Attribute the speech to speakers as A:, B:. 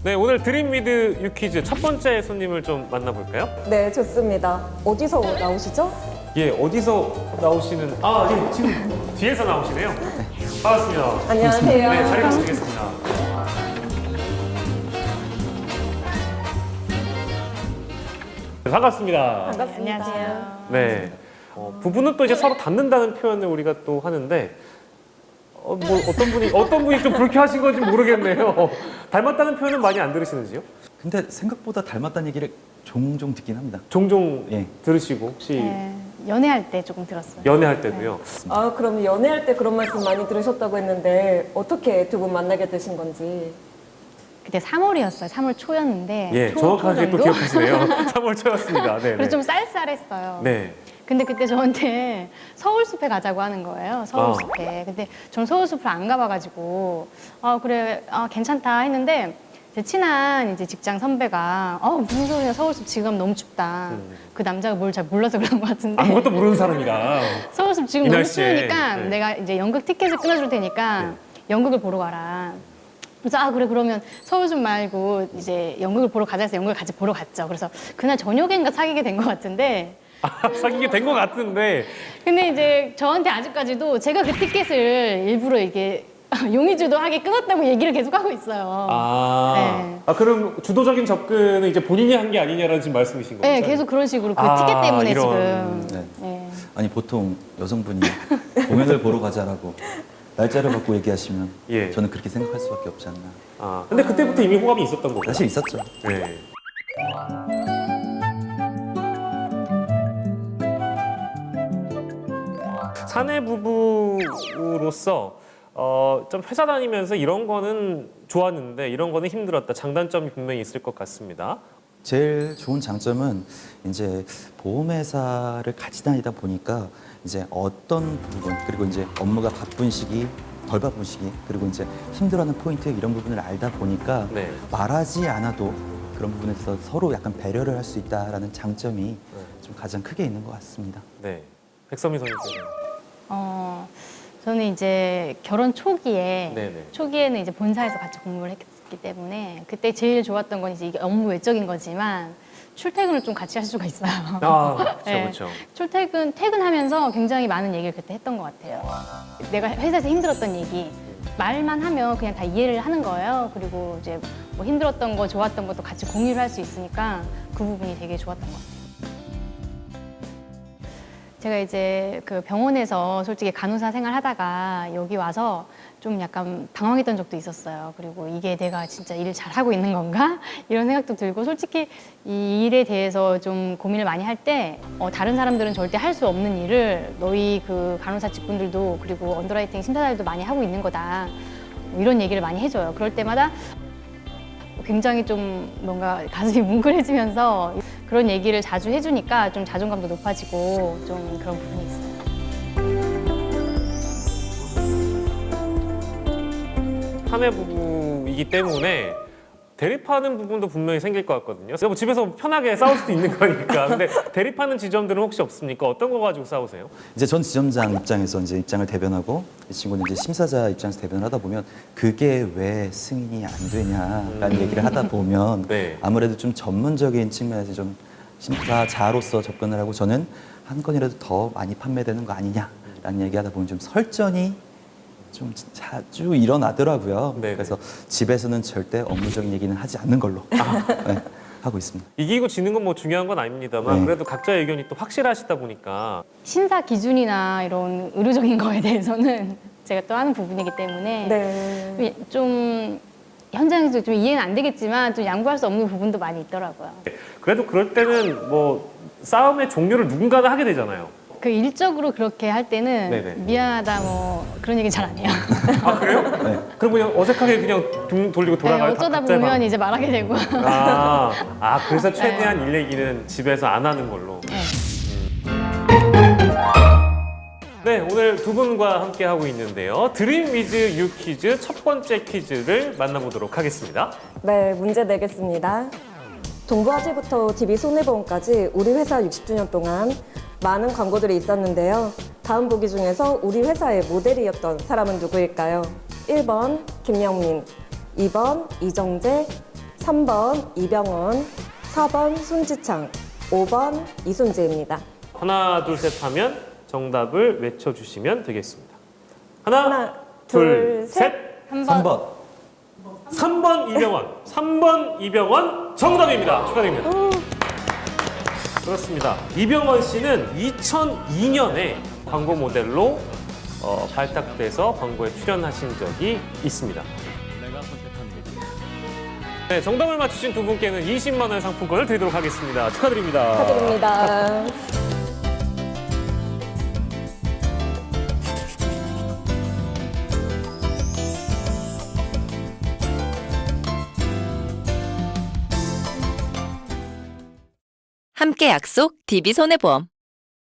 A: 네, 오늘 드림 위드 유퀴즈 첫 번째 손님을 좀 만나볼까요?
B: 네, 좋습니다. 어디서 나오시죠?
A: 예, 어디서 나오시는... 예, 지금 뒤에서 나오시네요. 반갑습니다.
B: 안녕하세요.
A: 네, 자리 바꾸겠습니다. 네, 반갑습니다.
B: 반갑습니다.
C: 안녕하세요.
A: 네, 부부는 또 이제 서로 닮는다는 표현을 우리가 또 하는데 뭐 어떤 분이 좀 불쾌하신 건지 모르겠네요. 닮았다는 표현은 많이 안 들으시는지요?
D: 근데 생각보다 닮았다는 얘기를 종종 듣긴 합니다.
A: 종종
D: 예.
A: 들으시고 혹시
C: 네, 연애할 때 조금 들었어요.
A: 연애할 때도요?
B: 아, 그럼 연애할 때 그런 말씀 많이 들으셨다고 했는데 어떻게 두 분 만나게 되신 건지.
C: 그때 3월이었어요. 3월 초였는데
A: 예,
C: 초
A: 정확하게 또
C: 정도?
A: 기억하시네요. 3월 초였습니다. 네,
C: 그래서 좀 쌀쌀했어요.
A: 네.
C: 근데 그때 저한테 서울숲에 가자고 하는 거예요. 서울숲에. 근데 전 서울숲을 안 가봐가지고 그래 괜찮다 했는데 제 친한 이제 직장 선배가 무슨 소리야 서울숲 지금 너무 춥다. 그 남자가 뭘 잘 몰라서 그런 것 같은데
A: 아무것도 모르는 사람이라.
C: 서울숲 지금
A: 이
C: 너무
A: 날씨에.
C: 추우니까
A: 네.
C: 내가 이제 연극 티켓을 끊어줄 테니까 연극을 보러 가라. 그래서 그래 그러면 서울숲 말고 이제 연극을 보러 가자 해서 연극을 같이 보러 갔죠. 그래서 그날 저녁인가 사귀게 된 것 같은데
A: 사귀게 된 것 같은데
C: 근데 이제 저한테 아직까지도 제가 그 티켓을 일부러 이게 용의주도하게 끊었다고 얘기를 계속 하고 있어요. 네.
A: 그럼 주도적인 접근은 이제 본인이 한 게 아니냐라는 지금 말씀이신 거죠?
C: 네, 계속 그런 식으로 그 티켓 때문에
A: 이런.
C: 지금.
D: 네.
C: 네.
D: 아니 보통 여성분이 공연을 보러 가자라고 날짜를 갖고 얘기하시면
A: 예.
D: 저는 그렇게 생각할 수밖에 없지 않나.
A: 근데 그때부터 이미 호감이 있었던 거죠?
D: 사실 있었죠.
A: 네. 사내 부부로서 좀 회사 다니면서 이런 거는 좋았는데 이런 거는 힘들었다. 장단점이 분명히 있을 것 같습니다.
D: 제일 좋은 장점은 이제 보험회사를 같이 다니다 보니까 이제 어떤 부분 그리고 이제 업무가 바쁜 시기 덜 바쁜 시기 그리고 이제 힘들어하는 포인트 이런 부분을 알다 보니까
A: 네.
D: 말하지 않아도 그런 부분에 서 서로 약간 배려를 할 수 있다라는 장점이 좀 가장 크게 있는 것 같습니다.
A: 네. 백선미 선생님.
C: 저는 이제 결혼 초기에
A: 네네.
C: 초기에는 이제 본사에서 같이 공부를 했기 때문에 그때 제일 좋았던 건 이제 이게 업무 외적인 거지만 출퇴근을 좀 같이 할 수가 있어요.
A: 그렇죠,
C: 네.
A: 그렇죠.
C: 퇴근하면서 굉장히 많은 얘기를 그때 했던 것 같아요. 내가 회사에서 힘들었던 얘기 말만 하면 그냥 다 이해를 하는 거예요. 그리고 이제 뭐 힘들었던 거, 좋았던 것도 같이 공유를 할 수 있으니까 그 부분이 되게 좋았던 것 같아요. 제가 이제 그 병원에서 솔직히 간호사 생활하다가 여기 와서 좀 약간 방황했던 적도 있었어요. 그리고 이게 내가 진짜 일을 잘하고 있는 건가? 이런 생각도 들고 솔직히 이 일에 대해서 좀 고민을 많이 할 때 다른 사람들은 절대 할 수 없는 일을 너희 그 간호사 직군들도 그리고 언더라이팅 심사자들도 많이 하고 있는 거다. 뭐 이런 얘기를 많이 해줘요. 그럴 때마다 굉장히 좀 뭔가 가슴이 뭉클해지면서 그런 얘기를 자주 해주니까 좀 자존감도 높아지고 좀 그런 부분이 있어요.
A: 사내 부부이기 때문에 대립하는 부분도 분명히 생길 것 같거든요. 뭐 집에서 편하게 싸울 수도 있는 거니까. 근데 대립하는 지점들은 혹시 없습니까? 어떤 거 가지고 싸우세요?
D: 이제 전 지점장 입장에서 이제 입장을 대변하고 이 친구는 이제 심사자 입장에서 대변을 하다 보면 그게 왜 승인이 안 되냐라는 얘기를 하다 보면
A: 네.
D: 아무래도 좀 전문적인 측면에서 좀 심사자로서 접근을 하고 저는 한 건이라도 더 많이 판매되는 거 아니냐라는 얘기하다 보면 좀 설전이 좀 자주 일어나더라고요.
A: 네네.
D: 그래서 집에서는 절대 업무적인 얘기는 하지 않는 걸로 네, 하고 있습니다.
A: 이기고 지는 건 뭐 중요한 건 아닙니다만
D: 네.
A: 그래도 각자의 의견이 또 확실하시다 보니까
C: 심사 기준이나 이런 의료적인 거에 대해서는 제가 또 하는 부분이기 때문에
B: 네.
C: 좀 현장에서 좀 이해는 안 되겠지만 좀 양보할 수 없는 부분도 많이 있더라고요.
A: 그래도 그럴 때는 뭐 싸움의 종료를 누군가는 하게 되잖아요.
C: 그 일적으로 그렇게 할 때는
A: 네네.
C: 미안하다 뭐 그런 얘기 잘 안 해요.
A: 아 그래요?
D: 네.
A: 그럼 그냥 어색하게 그냥 등 돌리고
C: 네,
A: 돌아가요?
C: 어쩌다
A: 각자의
C: 보면
A: 방.
C: 이제 말하게 되고.
A: 그래서 최대한 일 얘기는 집에서 안 하는 걸로.
C: 네.
A: 네, 오늘 두 분과 함께 하고 있는데요. 드림 위즈 유 퀴즈 첫 번째 퀴즈를 만나보도록 하겠습니다.
B: 네, 문제 내겠습니다. 동부화재부터 DB손해보험까지 우리 회사 60주년 동안 많은 광고들이 있었는데요. 다음 보기 중에서 우리 회사의 모델이었던 사람은 누구일까요? 1번 김영민, 2번 이정재, 3번 이병헌, 4번 손지창, 5번 이순재입니다.
A: 하나, 둘, 셋 하면 정답을 외쳐주시면 되겠습니다. 하나,
B: 하나,
A: 둘,
B: 둘,
A: 셋.
D: 3번.
A: 3번 이병헌. 3번 이병헌 정답입니다. 축하드립니다. 그렇습니다. 이병헌 씨는 2002년에 광고 모델로 발탁돼서 광고에 출연하신 적이 있습니다. 네, 정답을 맞추신 두 분께는 20만 원 상품권을 드리도록 하겠습니다. 축하드립니다.
B: 축하드립니다.
E: 함께 약속 DB손해보험